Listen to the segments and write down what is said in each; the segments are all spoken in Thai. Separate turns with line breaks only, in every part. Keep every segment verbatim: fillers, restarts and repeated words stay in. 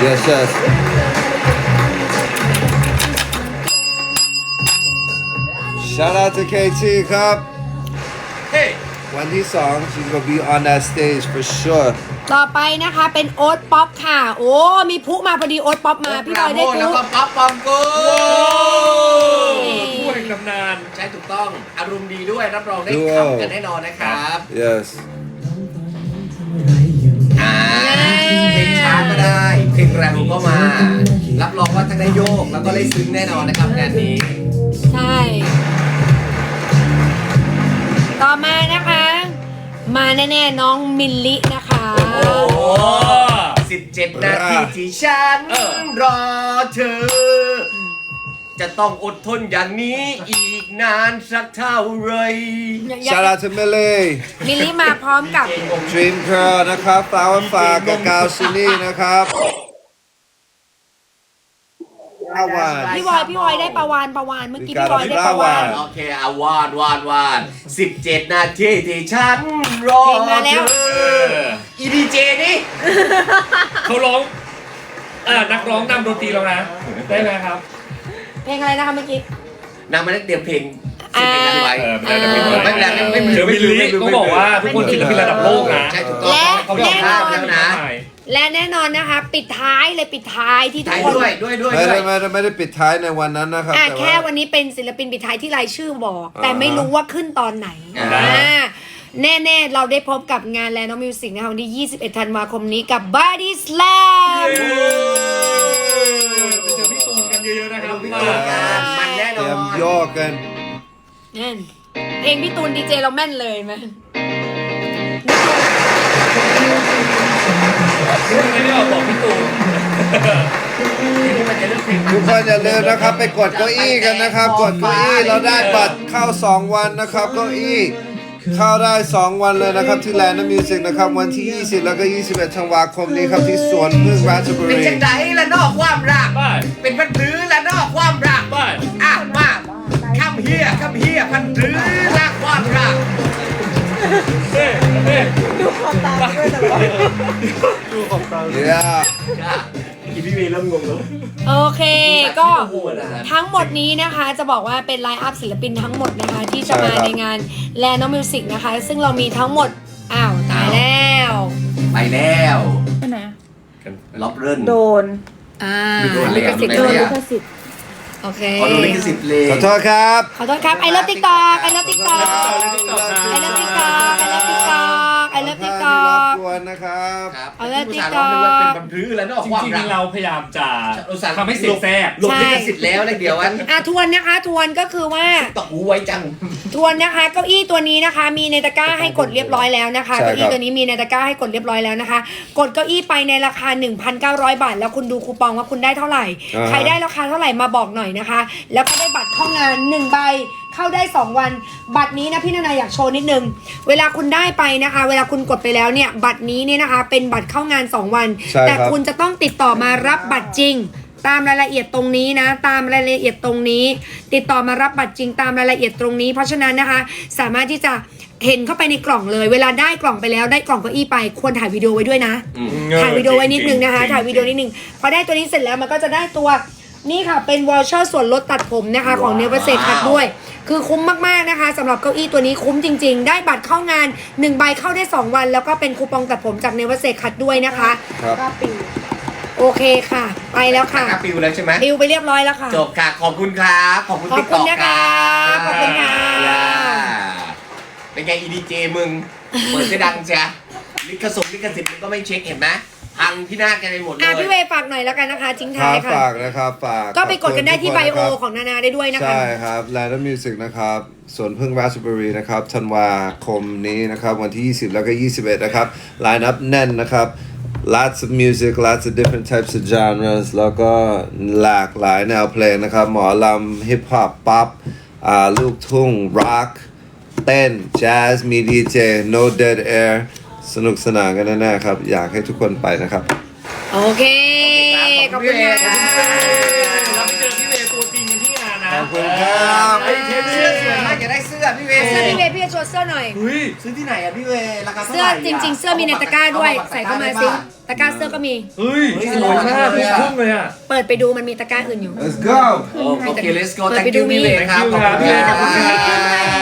yes yes shout out to เค ที ครับ
Hey
วันที่สอง she's gonna be on that stage for sure
ต่อไปนะคะเป็นโอ๊ตป๊อปค่ะ โอ้มีพุมาพอดีโอ๊ตป๊อปมาพี่บอยได้
แล้ว
พุ
ก็ป๊อปปองกู
ผู้แห่งตำนาน
ใช่ถูกต้องอารมณ์ดีด้วยรับรองได้
ดู
ทำกันแน่นอนนะครับ
yes
อ่าเพลงช้าก็ได้เพลงแรงก็มา รับรองว่าทั้งได้โยกแล้วก็ได้ซึ้งแน่นอนนะครับงานนี้
ใช่ ต่อมานะคะ มาแน่ๆน้องมิลลินะคะ
โอ้สิบเจ็ดนาทีที่ฉัน
เออ
รอเธอ จะต้องอดทนอย่างนี้อีกนานสักเท่าไหร
shout out to Millie
มิลลิมาพร้อมกับ
Dream Girl นะครับ Flower Far กับกาวซินี่นะครับห้าวาน
พี่บอยพี่บอยได้ประวานประวานเมื่อกี้
มีการ
พี่บอยได้ประวาน
โอเคอาวานวานวานสิบเจ็ดนาทีที่ฉันรอ
เพลงมาแล้ว
เธออีดีเจนี่
เขาร้องอ่านักร้องนำดนตรีแล้วนะ ได้ไหมครับ
เพลงอะไรนะคะเมื่อกี้
นางมาได้เตรียมเพลงสิบเพลงนั้นไว้
เออไม่ได้ไม่เป็นไร
ไม่เป็นไรไม่เป็นไร
เดี๋ยวมิลลิต้องบอกว่าทุกคนศิลปินระดับโลกนะ
ใช่ถูกต้อง
และ
เขายอม
แน่
รับ
นอน
แล้วนะ
และแน่นอนนะคะ ปิดท้ายเลยปิดท้ายที่ทุก
ถ่าย
คน
ด้วยด้วยด้วย
ไม่
ด้ว
ได้
ย
ไม่ได้ไม่ได้ปิดท้ายในวันนั้นนะครับ
อ่ะ
แต่
แค่
ว่า
วันนี้เป็นศิลปินปิดท้ายที่รายชื่อบอก
อ่า
แต่ไม่รู้ว่าขึ้นตอนไหน
อ่า
อ่าแน่ๆ เราได้พบกับงานแลนด์มิวสิกนะคะวันที่ ยี่สิบเอ็ด ธันวาคมนี้กับ Body Slam
ไปเจอพี่ตูนกันเยอะๆนะครับ
พี่
มา
ตูนกันมันแน่น
เต
อ
รีย
น
มโยกกัน
นั่นเพลงพี่ตูนดีเจเราแม่นเลยไหม
ไม่ได้บอกบอกพี่ตูน
นี่มันจะเลือกเพลง
ทุกคนอย่าลืมนะครับไปกดเก้าอี้กันนะครับ กดเก้าอี้เราได้บัตรเข้าสองวันนะครับเก้าอี้เข้าได้สองวันเลยนะครับที่แลนด์มิวสิกนะครับวันที่ยี่สิบแล้วก็ยี่สิบเอ็ดธันวาคมนี้ครับที่สวนพึ่งราชบุ
เป็น
รี
จังไดละนอกความรัก
ไป
เป็นพันรื้อละนอกความรัก
ไป
อ่ะมาคำเฮียคำเฮียพันรื้อละความรัก
เฮ้เฮ้
ดูความตามด้วยแต่ว่า
yeah
จ้ะอีพี่เมย์เริ่มงงแล้ว
โอเคก็
โอ้โหนะ
ทั้งหมดนี้นะคะจะบอกว่าเป็นไลน์อัพศิลปินทั้งหมดนะคะ ที่จะมา
ใช่ครับ
ในงานแลนด์มิวสิกนะคะ ซึ่งเรามีทั้งหมด อ้าว ตายแล้ว
ไปแล้ว
ไปไหนอะ
ล็อบเริ่น
โดน
อ่า
โดนเลยอะ
ลิขสิทธิ์
โด
โด
น
น
เลย
ลิ
อะ
ขสิทธิ์
โอเค
ขอดูลิขสิทธิ์เลย
ขอโทษครับ
ขอโทษครับ I love TikTok I love TikTok I love TikTok I love TikTok I love
ที่
TikTok
รบกวนนะครับ
ครับ
เอาละ
ผู้สาวร้องนึกว่าเป็นพันรื้อละนอก
จ
ความ
ริง
รัก
ๆเราพยายามจะ
อุตส่าห์
ทำให้เสียงแทรก
หลบลิขสิทธิ์แล้วเลยเดี๋ยวอัน
อ่ะทวนนะคะทวนก็คือว่า
ตอกหูไว้จัง
ทวนนะคะเก้าอี้ตัวนี้นะคะ มีในตะกร้าให้กดเรียบร้อยแล้วนะคะ
ใช่ครับ
เก้าอี้ตัวนี้มีในตะกร้าให้กดเรียบร้อยแล้วนะคะ กดเก้าอี้ไปในราคา หนึ่งพันเก้าร้อย บาท แล้วคุณดูคูปองว่าคุณได้เท่าไหร่
อ่า
ใครได้ราคาเท่าไหร่มาบอกหน่อยนะคะ แล้วก็ได้บัตรเข้างานหนึ่งใบเข้าได้สองวัน บัตรนี้นะพี่นานาอยากโชว์นิดนึงเวลาคุณได้ไปนะคะ เวลาคุณกดไปแล้วเนี่ยบัตรนี้เนี่ยนะคะ เป็นบัตรเข้างานสองวัน
ใช่ครับ
แต่คุณจะต้องติดต่อมารับบัตรจริง ตามรายละเอียดตรงนี้นะ ตามรายละเอียดตรงนี้ ติดต่อมารับบัตรจริงตามรายละเอียดตรงนี้ เพราะฉะนั้นนะคะ สามารถที่จะเห็นเข้าไปในกล่องเลย เวลาได้กล่องไปแล้วได้กล่องเก้าอี้ไปควรถ่ายวิดีโอไว้ด้วยนะ ถ่ายวิดีโอไว้นิดนึงนะคะ ถ่ายวิดีโอนิดนึงพอได้ตัวนี้เสร็จแล้วมันก็จะได้ตัวนี่ค่ะเป็นวอลเชอร์ส่วนลดตัดผมนะคะของเนเวอร์เซคัทด้วย คือคุ้มมากๆนะคะสำหรับเก้าอี้ตัวนี้คุ้มจริงๆ ได้บัตรเข้างานหนึ่งใบเข้าได้สองวัน แล้วก็เป็นคูปองตัดผมจากเนเวอร์เซคัทด้วยนะคะ
ครับ
กล้าปี
โอเคค่ะ ไปแล้วค่ะ
กาปิวแล้วใช่ไหม
ดิวไปเรียบร้อยแล้วค่ะ
จบค่ะ ขอบคุณครับ ขอบคุณ
ขอบ
ติ๊ก
คุ
ต็
ณ
อก
นะ
ค
คะ
รับ
ขอบคุณค่ะ
เป็นไงอีดีเจมึง เปิดได้ดังจ้ะลิขสิทธิ์ลิขสิทธิ์มึงก็ไม่เช็คเห็นไหมพังพินาศกันไปหมดเล
อ่ะ
ย
พี่เวย์ฝากหน่อยแล้วกันนะคะทิ้ง
ค
ท้า
รั
ย
บ
ค่ะ
ฝากนะครับฝาก
ก็ไปกดกันได้ที่
ข
ไบ
บคุณ
โอ
ทุกคนนะครับ
ของนานาได้ด้วยนะคะ
ใช่ครับแลนด์มิวสิกนะครับสวนพึ่งราชบุรีนะครับธันวาคมนี้นะครับวันที่ยี่สิบแล้วก็ยี่สิบเอ็ดนะครับไลน์อัพแน่นนะครับ lots of music lots of different types of genres แล้วก็หลากหลายแนวเพลงนะครับหมอลำฮิปฮอปป๊อปอ่าลูกทุ่งร็อกเต้นแจ๊สมีดีเจ no dead air สนุกสนานกันแน่ๆครับอยากให้ทุกคนไปนะครับ
โอเค ขอบคุณค่ะ
เราไปเจอพี่เวย์ตัวจริงกันที่งานนะ
ขอบคุณครับ
ไอ้เทปเสื้อสวย
มาม
าก ก
อยากได้เสื้อสื้อพี่เว
เสื้อพี่เวย์พี่จะโชว์เสื้อหน่อย
เฮ้ย
ซื้อที่ไหนอะพี่เวราคาเท่า
เสื้
ไห
อ
ร่
จริง ๆ เสื้อมีในตะกร้าด้วย ใส่เข้ามาซิตะกร้าเสื้อก็มี
เฮ้ยสวยมากทุกทุ่งเลยอ่ะ
เปิดไปดูมันมีตะกร้าอื่นอยู่
let's go
โอเค let's go
เปิด
thank
ไปดู
you พี่เว
มี
ครับ
Thank you ครับพี่เวขอบคุณครับ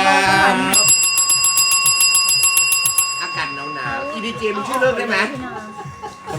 อากาศหนาวๆ อี ดี เจ มันช่วยเลิกได้ไหม